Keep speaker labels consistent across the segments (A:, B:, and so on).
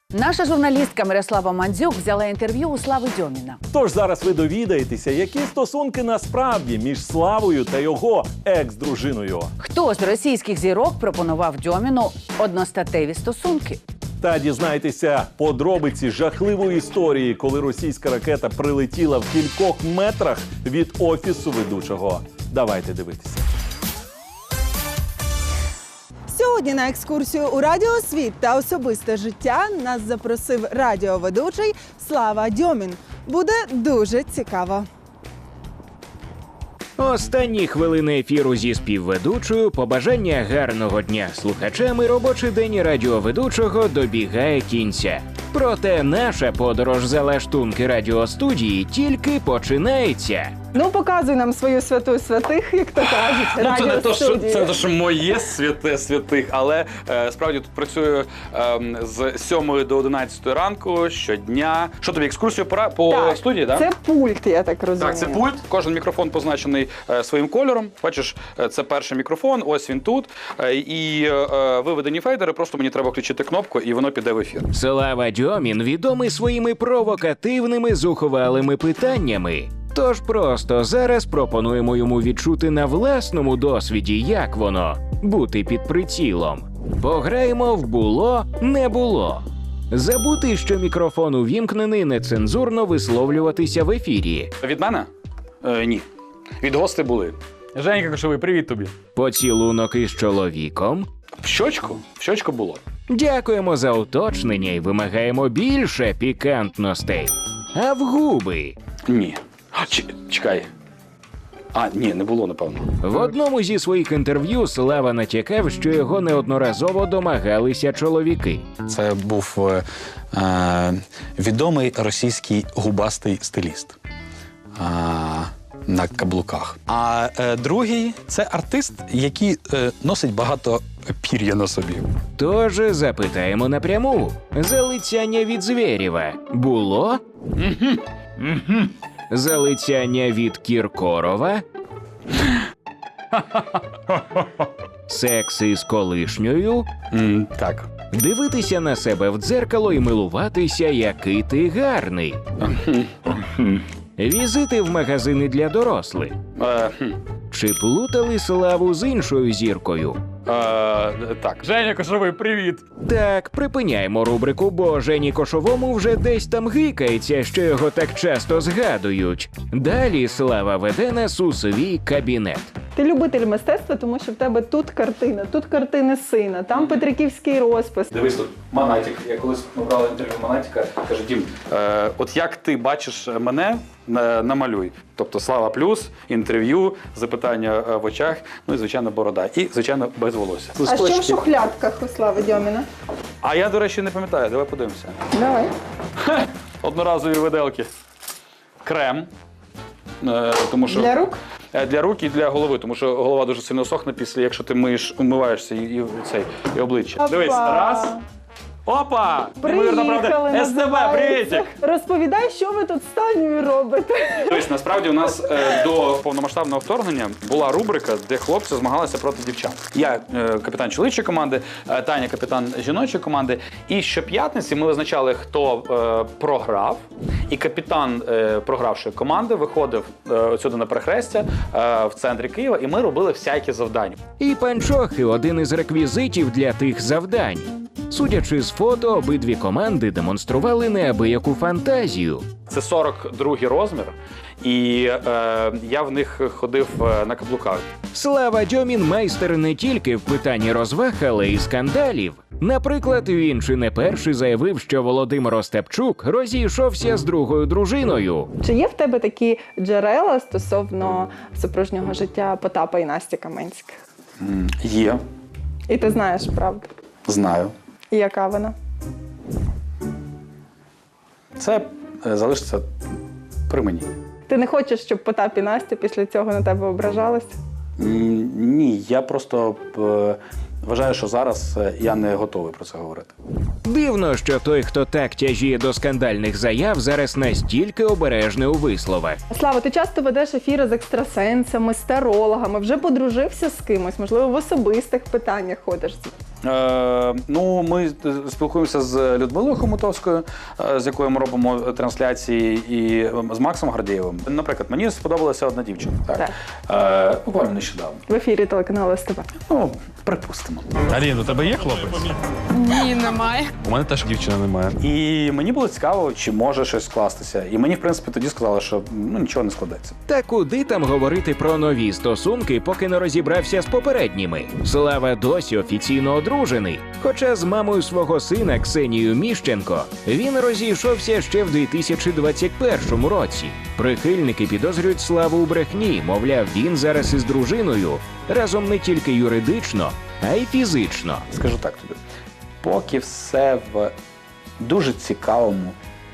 A: Наша журналістка Мирослава Мандзюк взяла інтерв'ю у Слави Дьоміна.
B: Тож зараз ви довідаєтеся, які стосунки насправді між Славою та його екс-дружиною.
A: Хто з російських зірок пропонував Дьоміну одностатеві стосунки?
B: Та дізнайтеся подробиці жахливої історії, коли російська ракета прилетіла в кількох метрах від офісу ведучого. Давайте дивитися.
C: Сьогодні на екскурсію у радіосвіт та особисте життя нас запросив радіоведучий Слава Дьомін. Буде дуже цікаво.
D: Останні хвилини ефіру зі співведучою, побажання гарного дня слухачам і робочий день радіоведучого добігає кінця. Проте наша подорож за лаштунки радіостудії тільки починається.
C: Ну, показуй нам свою святу святих, як то кажуть,
E: Це не то,
C: радіостудію.
E: що моє святе святих, але справді тут працюю з 7 до 11 ранку щодня. Що тобі, екскурсію по
C: Так,
E: студії, так?
C: Це пульт, я так розумію.
E: Так, це пульт. Кожен мікрофон позначений своїм кольором. Бачиш, це перший мікрофон, ось він тут. І виведені фейдери, просто мені треба включити кнопку, і воно піде в ефір.
D: Слава Дьомін відомий своїми провокативними зухвалими питаннями. Тож просто зараз пропонуємо йому відчути на власному досвіді, як воно – бути під прицілом. Пограємо в «Було, не було». Забути, що мікрофон увімкнений, нецензурно висловлюватися в ефірі.
E: Від мене? Ні. Від гостей були. Женька Кошовий, привіт тобі.
D: Поцілунок із чоловіком.
E: В щочку? В щочку було.
D: Дякуємо за уточнення і вимагаємо більше пікантностей. А в губи?
E: Ні. Чекай. Ні, не було, напевно.
D: В одному зі своїх інтерв'ю Слава натякав, що його неодноразово домагалися чоловіки.
F: Це був відомий російський губастий стиліст на каблуках. А другий – це артист, який носить багато пір'я на собі.
D: Тож запитаємо напряму. Залицяння від Звєрєва було? Залицяння від Кіркорова? Секс із колишньою?
E: Так.
D: Дивитися на себе в дзеркало і милуватися, який ти гарний. Візити в магазини для дорослих. Чи плутали Славу з іншою зіркою?
E: Так. Женя Кошовий, привіт.
D: Так, припиняємо рубрику, бо Жені Кошовому вже десь там гикається, що його так часто згадують. Далі Слава веде нас у свій кабінет.
C: Ти любитель мистецтва, тому що в тебе тут картина, тут картини сина, там петриківський розпис.
E: Дивись тут, Монатік. Я колись брав інтерв'ю Монатіка, каже, Дім, от як ти бачиш мене, намалюй. Тобто Слава плюс, інтерв'ю, запитання в очах, ну і, звичайно, борода. І, звичайно, без волосся.
C: А що в шухлядках у Слави Дьоміна?
E: А я, до речі, не пам'ятаю, давай подивимося.
C: Давай.
E: Одноразові виделки. Крем. Тому що...
C: Для рук?
E: Для рук і для голови, тому що голова дуже сильно сохне після, якщо ти умиваєшся і обличчя.
C: Опа.
E: Дивись, раз. Опа! Неймовірна правда. СТБ, привітик!
C: Розповідай, що ви тут з Танею робите.
E: Тобто, насправді, у нас до повномасштабного вторгнення була рубрика, де хлопці змагалися проти дівчат. Я капітан чоловічої команди, Таня капітан жіночої команди. І щоп'ятниці ми визначали, хто програв. І капітан програвшої команди виходив сюди на перехрестя в центрі Києва, і ми робили всякі завдання.
D: І панчохи – один із реквізитів для тих завдань. Судячи з фото, обидві команди демонстрували неабияку фантазію.
E: Це 42-й розмір, і я в них ходив на каблуках.
D: Слава Дьомін – майстер не тільки в питанні розваг, але й скандалів. Наприклад, він чи не перший заявив, що Володимир Остапчук розійшовся з другою дружиною.
C: Чи є в тебе такі джерела стосовно супружнього життя Потапа і Насті Каменських?
E: Є,
C: І ти знаєш правду?
E: знаю.
C: І яка вона?
E: Це залишиться при мені.
C: Ти не хочеш, щоб Потап і Настя після цього на тебе ображалися?
E: Ні, я просто вважаю, що зараз я не готовий про це говорити.
D: Дивно, що той, хто так тяжіє до скандальних заяв, зараз настільки обережний у висловах.
C: Слава, ти часто ведеш ефіри з екстрасенсами, з тарологами, вже подружився з кимось, можливо, в особистих питаннях ходиш.
E: Ну, ми спілкуємося з Людмилою Хомутовською, з якою ми робимо трансляції, і з Максом Гордієвим. Наприклад, мені сподобалася одна дівчина. Так. Буквально нещодавно.
C: В ефірі телеканалу СТБ.
E: Ну, припустимо.
F: Алін, у тебе є хлопець?
G: Ні, немає.
F: У мене теж дівчина немає.
E: І мені було цікаво, чи може щось скластися. І мені, в принципі, тоді сказали, що нічого не складеться.
D: Та куди там говорити про нові стосунки, поки не розібрався з попередніми? Слава досі офіційно одружений. Хоча з мамою свого сина Ксенією Міщенко він розійшовся ще в 2021 році. Прихильники підозрюють Славу у брехні, мовляв, він зараз із дружиною, разом не тільки юридично, а й фізично.
E: Скажу так тобі, поки все в дуже цікавому,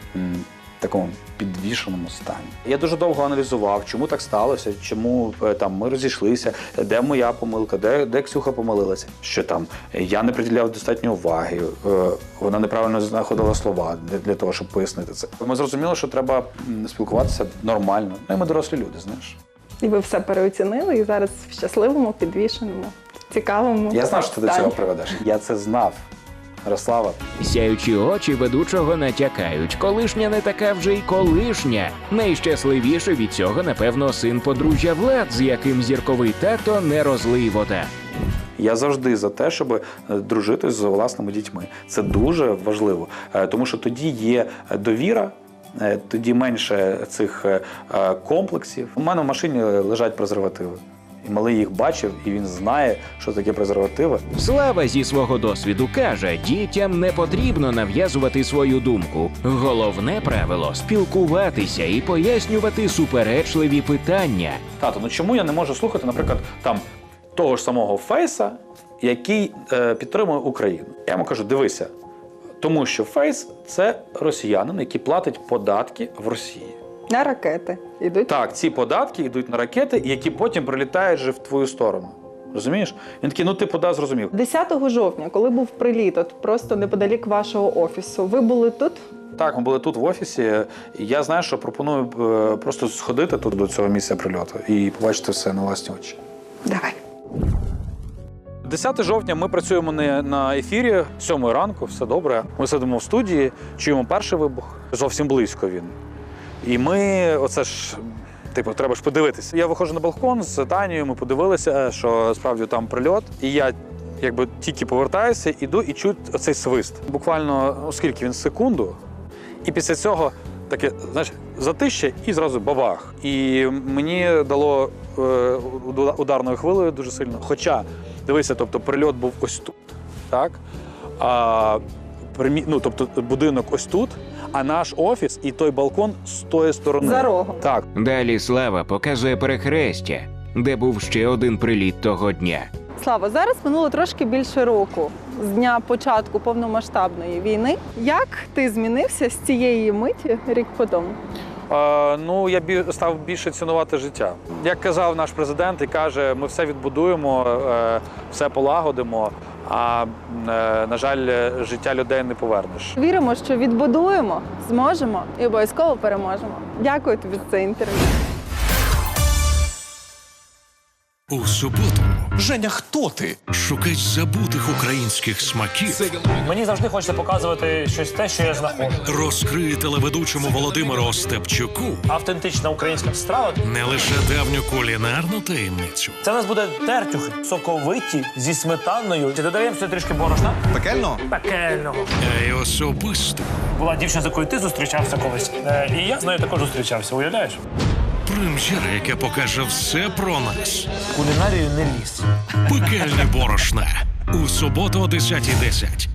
E: такому підвішеному стані. Я дуже довго аналізував, чому так сталося, чому там ми розійшлися, де моя помилка, де Ксюха помилилася. Що там я не приділяв достатньо уваги, вона неправильно знаходила слова для того, щоб пояснити це. Ми зрозуміли, що треба спілкуватися нормально. Ну і ми дорослі люди, знаєш.
C: І ви все переоцінили, і зараз в щасливому, підвішеному, цікавому.
E: Я знав, що ти до цього приведеш. Я це знав. Ярослава.
D: Сяючі очі ведучого натякають, колишня не така вже й колишня. Найщасливіше від цього, напевно, син подружжя Влад, з яким зірковий тато не розлий вода.
E: Я завжди за те, щоб дружити з власними дітьми. Це дуже важливо, тому що тоді є довіра, тоді менше цих комплексів. У мене в машині лежать презервативи. І малий їх бачив, і він знає, що таке презервативи.
D: Слава зі свого досвіду каже, дітям не потрібно нав'язувати свою думку. Головне правило – спілкуватися і пояснювати суперечливі питання.
E: Тато, ну чому я не можу слухати, наприклад, там того ж самого Фейса, який підтримує Україну? Я йому кажу, дивися, тому що Фейс – це росіянин, який платить податки в Росії.
C: На ракети йдуть.
E: Так, ці податки йдуть на ракети, які потім прилітають вже в твою сторону. Розумієш? Він такий, ну ти зрозумів.
C: 10 жовтня, коли був приліт, от просто неподалік вашого офісу, ви були тут?
E: Так, ми були тут в офісі. І я знаю, що пропоную просто сходити тут до цього місця прильоту і побачити все на власні очі.
C: Давай.
E: 10 жовтня ми працюємо не на ефірі, 7 ранку, все добре. Ми сидимо в студії, чуємо перший вибух, зовсім близько він. І ми, оце ж, треба ж подивитися. Я виходжу на балкон з Танією, ми подивилися, що справді там прильот. І я тільки повертаюся, іду і чую оцей свист. Буквально, скільки він, секунду. І після цього таке, знаєш, затище і зразу бабах. І мені дало ударною хвилею дуже сильно. Хоча, дивися, тобто прильот був ось тут, так? Тобто будинок ось тут, а наш офіс і той балкон з тої сторони.
C: За рогом.
E: Так.
D: Далі Слава показує перехрестя, де був ще один приліт того дня.
C: Слава, зараз минуло трошки більше року з дня початку повномасштабної війни. Як ти змінився з цієї миті рік по тому?
E: Я став більше цінувати життя. Як казав наш президент, і каже, ми все відбудуємо, все полагодимо, а, на жаль, життя людей не повернеш.
C: Віримо, що відбудуємо, зможемо і обов'язково переможемо. Дякую тобі за це інтерв'ю.
H: У суботу. Женя, хто ти? Шукач забутих українських смаків.
I: Мені завжди хочеться показувати щось те, що я знаходжу.
H: Розкриє телеведучому Володимиру Остапчуку
I: Автентична українська страва.
H: не лише давню кулінарну таємницю,
I: Це у нас буде тертюхи, соковиті, зі сметаною. Чи додаємо сюди трішки борошна?
J: Пекельного?
I: Пекельного.
H: а й особисту.
I: Була дівчина, з якою ти зустрічався колись. І я з нею також зустрічався, уявляєш?
H: Прем'єра, яка покаже все про нас.
I: Кулінарію не ліз.
H: Пекельне борошна. У суботу о 10:10.